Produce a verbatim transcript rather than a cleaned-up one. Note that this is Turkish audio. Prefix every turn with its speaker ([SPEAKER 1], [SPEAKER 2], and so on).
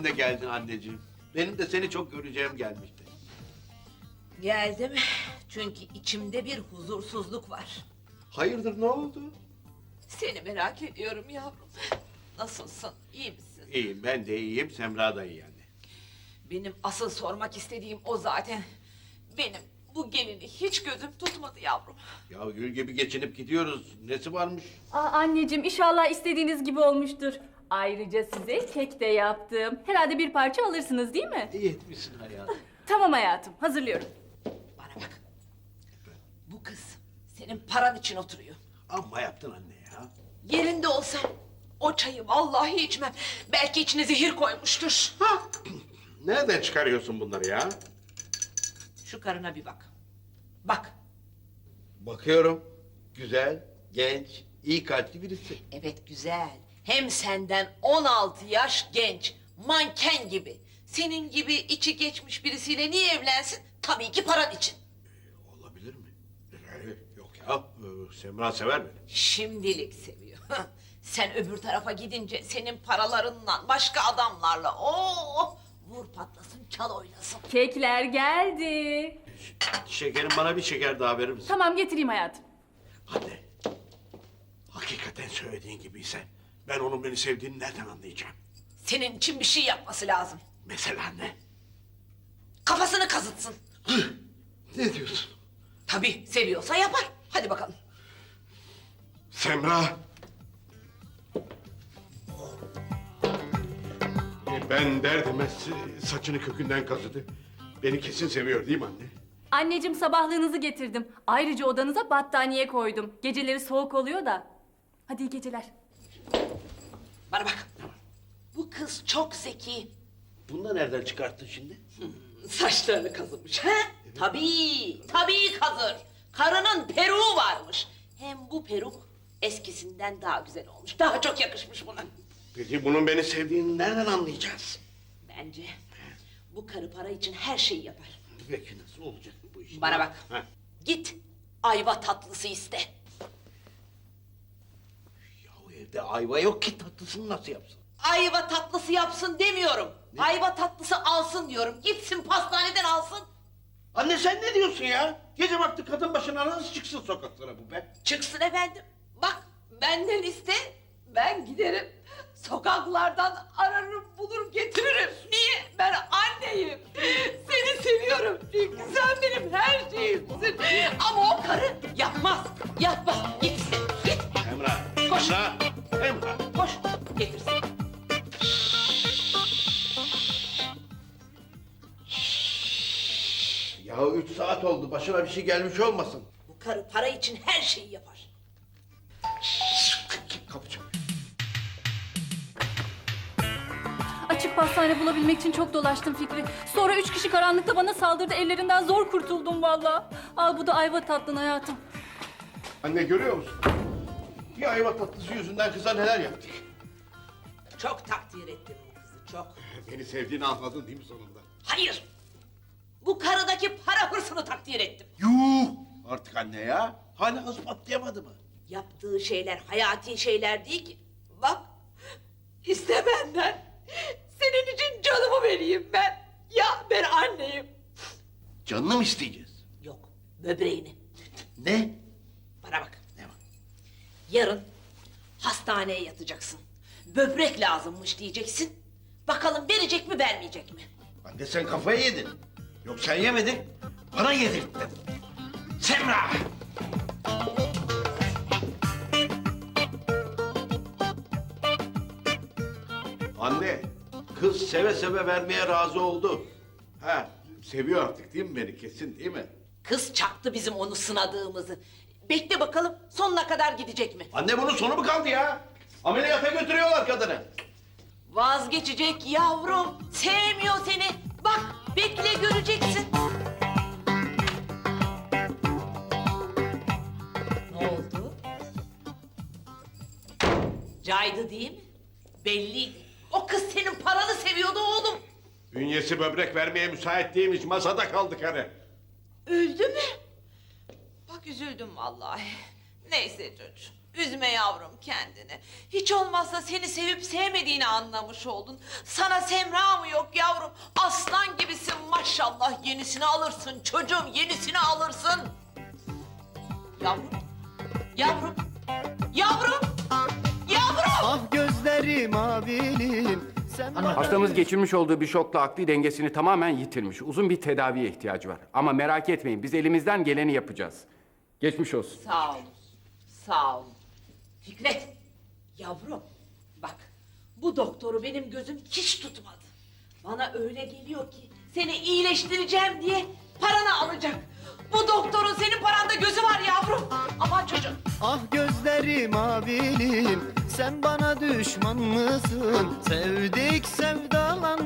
[SPEAKER 1] sen de geldin anneciğim. Benim de seni çok göreceğim gelmişti.
[SPEAKER 2] Geldim çünkü içimde bir huzursuzluk var.
[SPEAKER 1] Hayırdır, ne oldu?
[SPEAKER 2] Seni merak ediyorum yavrum. Nasılsın, iyi misin?
[SPEAKER 1] İyiyim, ben de iyiyim, Semra da iyi yani.
[SPEAKER 2] Benim asıl sormak istediğim o zaten. Benim bu gelini hiç gözüm tutmadı yavrum.
[SPEAKER 1] Ya gül gibi geçinip gidiyoruz. Nesi varmış?
[SPEAKER 3] Aa, anneciğim inşallah istediğiniz gibi olmuştur. Ayrıca size kek de yaptım. Herhalde bir parça alırsınız değil mi?
[SPEAKER 1] İyi etmişsin hayatım.
[SPEAKER 3] Tamam hayatım, hazırlıyorum.
[SPEAKER 2] Bana bak. Bu kız senin paran için oturuyor.
[SPEAKER 1] Amma yaptın anne ya.
[SPEAKER 2] Yerinde olsam o çayı vallahi içmem. Belki içine zehir koymuştur.
[SPEAKER 1] Ha! Nereden çıkarıyorsun bunları ya?
[SPEAKER 2] Şu karına bir bak. Bak.
[SPEAKER 1] Bakıyorum. Güzel, genç, iyi kalpli birisi.
[SPEAKER 2] Evet güzel. Hem senden on altı yaş genç. Manken gibi. Senin gibi içi geçmiş birisiyle niye evlensin? Tabii ki paran için.
[SPEAKER 1] Olabilir mi? Ee, yok ya, ee, Semra sever beni.
[SPEAKER 2] Şimdilik seviyor. Sen öbür tarafa gidince senin paralarından başka adamlarla oh vur patlasın çal oynasın.
[SPEAKER 3] Kekler geldi.
[SPEAKER 1] Şekerim, bana bir şeker daha verir misin?
[SPEAKER 3] Tamam getireyim hayatım.
[SPEAKER 1] Anne, hakikaten söylediğin gibiyse ben onun beni sevdiğini nereden anlayacağım?
[SPEAKER 2] Senin için bir şey yapması lazım.
[SPEAKER 1] Mesela ne?
[SPEAKER 2] Kafasını kazıtsın.
[SPEAKER 1] Hıh, ne diyorsun?
[SPEAKER 2] Tabii seviyorsa yapar. Hadi bakalım.
[SPEAKER 1] Semra! E, Ben der demez saçını kökünden kazıdı. Beni kesin seviyor değil mi anne?
[SPEAKER 3] Anneciğim sabahlığınızı getirdim. Ayrıca odanıza battaniye koydum. Geceleri soğuk oluyor da. Hadi iyi geceler.
[SPEAKER 2] Bana bak. Bu kız çok zeki.
[SPEAKER 1] Bunu da nereden çıkarttın şimdi?
[SPEAKER 2] Saçlarını kazımış. He? Tabii, tabii kazır. Karının peruğu varmış. Hem bu peruk eskisinden daha güzel olmuş. Daha çok yakışmış buna.
[SPEAKER 1] Peki bunun beni sevdiğini nereden anlayacağız?
[SPEAKER 2] Bence bu karı para için her şeyi yapar.
[SPEAKER 1] Peki nasıl olacak bu iş?
[SPEAKER 2] Bana bak.
[SPEAKER 1] Ha.
[SPEAKER 2] Git ayva tatlısı iste.
[SPEAKER 1] Ya evde ayva yok ki, tatlısını nasıl yapsın?
[SPEAKER 2] Ayva tatlısı yapsın demiyorum. Ayva tatlısı alsın diyorum. Gitsin pastaneden alsın.
[SPEAKER 1] Anne sen ne diyorsun ya? Gece vakti kadın başına nasıl çıksın sokaklara bu be?
[SPEAKER 2] Çıksın efendim. Bak benden iste. Ben giderim. Sokaklardan ararım, bulur, getiririm. Niye? Ben anneyim. Seni seviyorum çünkü sen benim her şeyimsin. Ama o karı yapmaz, yapmaz. Gitsin, git.
[SPEAKER 1] Emrah,
[SPEAKER 2] Koş.
[SPEAKER 1] Emrah, Emrah.
[SPEAKER 2] Koş, getirsin.
[SPEAKER 1] Ya üç saat oldu, başına bir şey gelmiş olmasın.
[SPEAKER 2] Bu karı para için her şeyi yapar.
[SPEAKER 1] Kapı çalıyor.
[SPEAKER 3] Açık pastane bulabilmek için çok dolaştım Fikri. Sonra üç kişi karanlıkta bana saldırdı. Ellerinden zor kurtuldum vallahi. Al bu da ayva tatlın hayatım.
[SPEAKER 1] Anne görüyor musun? Bir ayva tatlısı yüzünden kıza neler yaptık?
[SPEAKER 2] Çok takdir ettim bu kızı, çok.
[SPEAKER 1] Beni sevdiğini anladın değil mi sonunda?
[SPEAKER 2] Hayır. Bu karıdaki para hırsını takdir ettim.
[SPEAKER 1] Yuh! Artık anne ya. Hala ispatlayamadı mı?
[SPEAKER 2] Yaptığı şeyler hayati şeyler değil ki. Bak, iste benden. Senin için canımı vereyim ben. Ya ben anneyim.
[SPEAKER 1] Canını mı isteyeceğiz?
[SPEAKER 2] Yok, böbreğini.
[SPEAKER 1] Ne?
[SPEAKER 2] Bana bak.
[SPEAKER 1] Ne var?
[SPEAKER 2] Yarın hastaneye yatacaksın. Böbrek lazımmış diyeceksin. Bakalım verecek mi vermeyecek mi?
[SPEAKER 1] Anne sen kafayı yedin. Yok sen yemedin, bana yedirttin. Semra! Anne, kız seve seve vermeye razı oldu. Ha, seviyor artık değil mi beni, kesin değil mi?
[SPEAKER 2] Kız çaktı bizim onu sınadığımızı. Bekle bakalım sonuna kadar gidecek mi?
[SPEAKER 1] Anne bunun sonu mu kaldı ya? Ameliyata götürüyorlar kadını.
[SPEAKER 2] Vazgeçecek yavrum. Sevmiyor seni. Bak bekle göreceksin. Ne oldu? Caydı değil mi? Belliydi. O kız senin paranı seviyordu oğlum.
[SPEAKER 1] Bünyesi böbrek vermeye müsait değilmiş, masada kaldı karı.
[SPEAKER 2] Öldü mü? Bak üzüldüm vallahi. Neyse çocuğum. Üzme yavrum kendini. Hiç olmazsa seni sevip sevmediğini anlamış oldun. Sana Semra mı yok yavrum? Aslan gibisin maşallah. Yenisini alırsın çocuğum, yenisini alırsın. Yavrum, yavrum, yavrum, yavrum.
[SPEAKER 4] Ah gözlerim maviliğim sen bana...
[SPEAKER 5] Hastamız geçirmiş olduğu bir şokla akli dengesini tamamen yitirmiş. Uzun bir tedaviye ihtiyacı var. Ama merak etmeyin, biz elimizden geleni yapacağız. Geçmiş olsun.
[SPEAKER 2] Sağ olun, sağ olun. Fikret, yavrum bak bu doktoru benim gözüm hiç tutmadı. Bana öyle geliyor ki seni iyileştireceğim diye paranı alacak. Bu doktorun senin paranda gözü var yavrum. Aman çocuğum.
[SPEAKER 4] Ah gözlerim maviliğim sen bana düşman mısın? Sevdik sevdalan